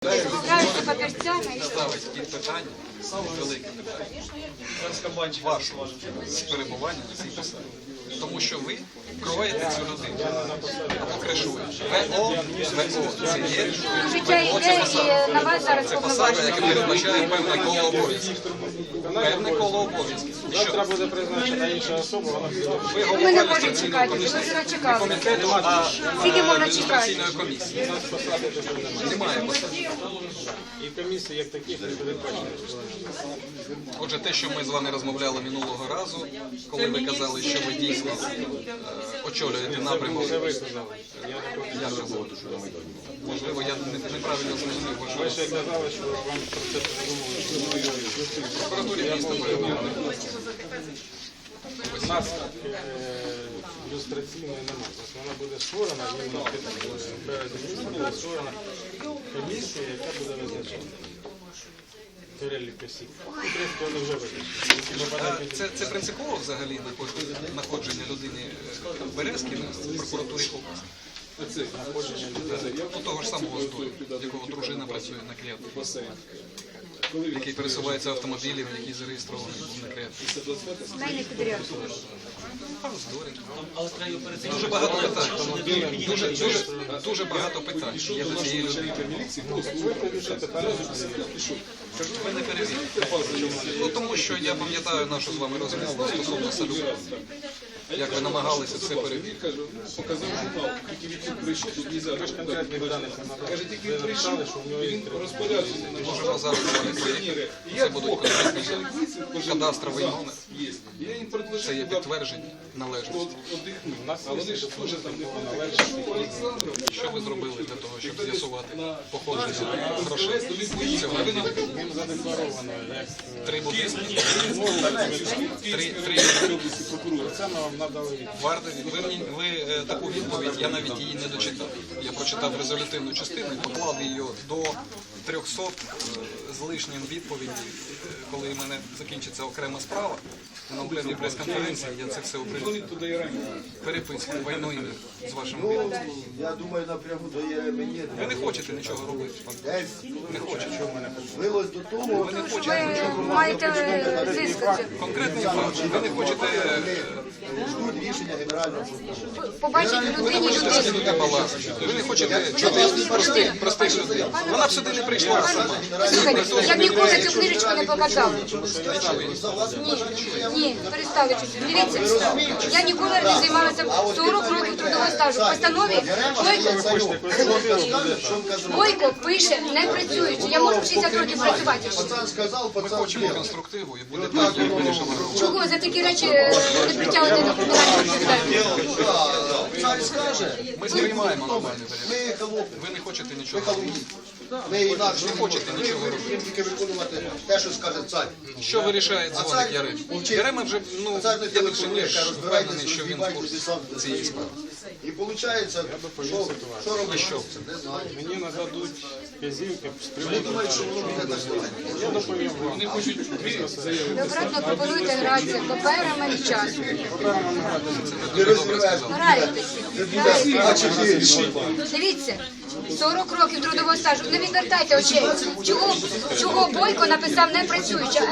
Справиться папірцями. ставить під питання, велике питання, вашу перебування на цій посаді. Тому що ви кроєте цю людину, або кришуєте. ВО це є, Життя йде і на вас зараз це посада, повноваження. яка передбачає певне коло обов'язків. Певне коло обов'язків. Завтра буде призначена інша особа, вона Ви Ми не голова можемо ілюстраційної чекати, ми комісії. вже Не чекали. комітету, а Скільки можна чекати? ілюстраційної комісії. Немає посади. і комісії як таких не передбачено. Отже, те, що ми з вами розмовляли минулого разу, коли ви казали, що ви дійсно очолюєте напрямок, Це ви казали. я казав, можливо, я неправильно зрозумів, Ви можливо, ще казали, що вам про це подумали. в прокуратурі міста перебували. У нас ілюстраційної немає. Вона буде створена, буде створена комісія, яка буде визначати перелік осіб. І, в принципі, вони вже визначені. Це принципово взагалі знаходження людини Березкіна в прокуратурі області? У того ж самого Здорі, якого дружина працює на Креативі, який пересувається автомобілем, який зареєстрований був на Креативі. Найний підряд. А в Здорі. Дуже багато питань. Дуже багато питань є до цієї людини. Ви не перевірите. Ну, тому що я пам'ятаю нашу з вами розмову стосовно Салюка. Як ви намагалися все перевірити. Показав журнал, тільки від цих прийшов, тут не зараз. Конкретних даних не надали. Каже, тільки Ви прийшов, написали, що в нього і є він три. розпоряджений на Можемо зараз говорити. Це будуть конкретні кадастровий номер. Я їм предложив Це є туди підтвердження належності. одихнути. У нас А вони є ж теж там не належить. Олександрович. Що ви зробили для того, щоб з'ясувати походження грошей? Сьогодні Їм задекларовано, як три будинки. Три це ми вам надали. варти. Ви таку відповідь, я навіть її не дочитав. Я прочитав резолютивну частину і поклав її до 300 з лишнім відповіді, коли в мене закінчиться окрема справа. На окремій прес-конференції я це все оприлюдню. Туди і раніше. Переписку війну з вашим відомством. Я думаю, напряму до Єремені. Ви не хочете нічого робити, пан. Не хочете. Вилось до того, Ви не хочете. Ви маєте зискати. Конкретний факт. Ви не хочете ждуть рішення Генерального суду. Побачить в людині людину. скинути баланс. Ви не хочете чути простих людей. Вона б сюди не прийшла сама. Послухайте, я б ніколи цю книжечку не показала. Ні, перестали чуть. Дивіться, я ніколи не займалася 40 років трудового стажу. В постанові Бойко пише не працюючи. Я можу 60 років працювати. Пацан сказав, Ми пацан хочемо зробив. конструктиву і буде так, як вирішила громада. Чого за такі речі не притягувати до кримінальної відповідальності? Цар скаже, Ми сприймаємо нормальний ми варіант. халупи, Ви не хочете ми нічого халуї. робити. Ми інакше Не хочете нічого робити. тільки виконувати те, що скаже цар. Що вирішає дзвоник Ярем? Ярема вже, ну, Цар не я більше телефонує, ніж каже, впевнений, розбирайтеся, що він в розбивайтеся курсі сам до цієї справи. І виходить, що робить? що? Не знаю. Мені нададуть вказівки з Вони приводу. думають, що воно буде так стати. Я доповім вам. Вони хочуть Ви обратно пропонуєте гратися паперами і часом. Не розриваєш. Граєтеся. А чотири. Дивіться, 40 років трудового стажу. Не відвертайте очей. Чого Бойко написав не працюючи?